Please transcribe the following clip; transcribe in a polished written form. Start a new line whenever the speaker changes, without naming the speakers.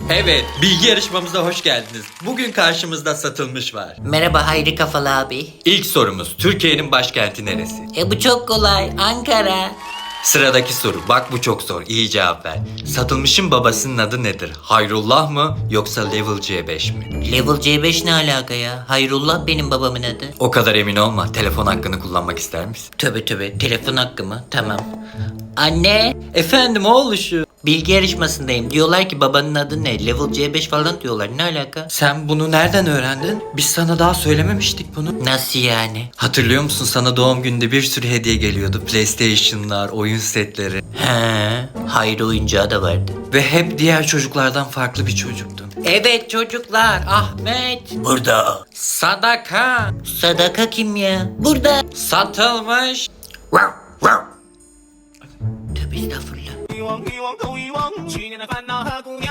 Evet, bilgi yarışmamıza hoş geldiniz. Bugün karşımızda satılmış var.
Merhaba Hayri Kafalı abi.
İlk sorumuz, Türkiye'nin başkenti neresi?
Bu çok kolay. Ankara.
Sıradaki soru, bak bu çok zor, iyi cevap ver. Satılmışın babasının adı nedir? Hayrullah mı yoksa Level C5 mi?
Level C5 ne alaka ya? Hayrullah benim babamın adı.
O kadar emin olma, telefon hakkını kullanmak ister misin?
Tövbe tövbe, telefon hakkı mı? Tamam. Anne,
Efendim oğluşu.
bilgi yarışmasındayım. Diyorlar ki babanın adı ne? Level C5 falan diyorlar. Ne alaka?
Sen bunu nereden öğrendin? Biz sana daha söylememiştik bunu.
Nasıl yani?
Hatırlıyor musun, sana doğum gününde bir sürü hediye geliyordu. PlayStation'lar, oyun setleri.
He, Hayri oyuncağı da vardı.
Ve hep diğer çocuklardan farklı bir çocuktun.
Evet çocuklar, Ahmet. Burada.
Sadaka
Sadaka kim ya? Burada.
satılmış.
Tövbe estağfurullah.
一往一往都遗忘，去年的烦恼和姑娘。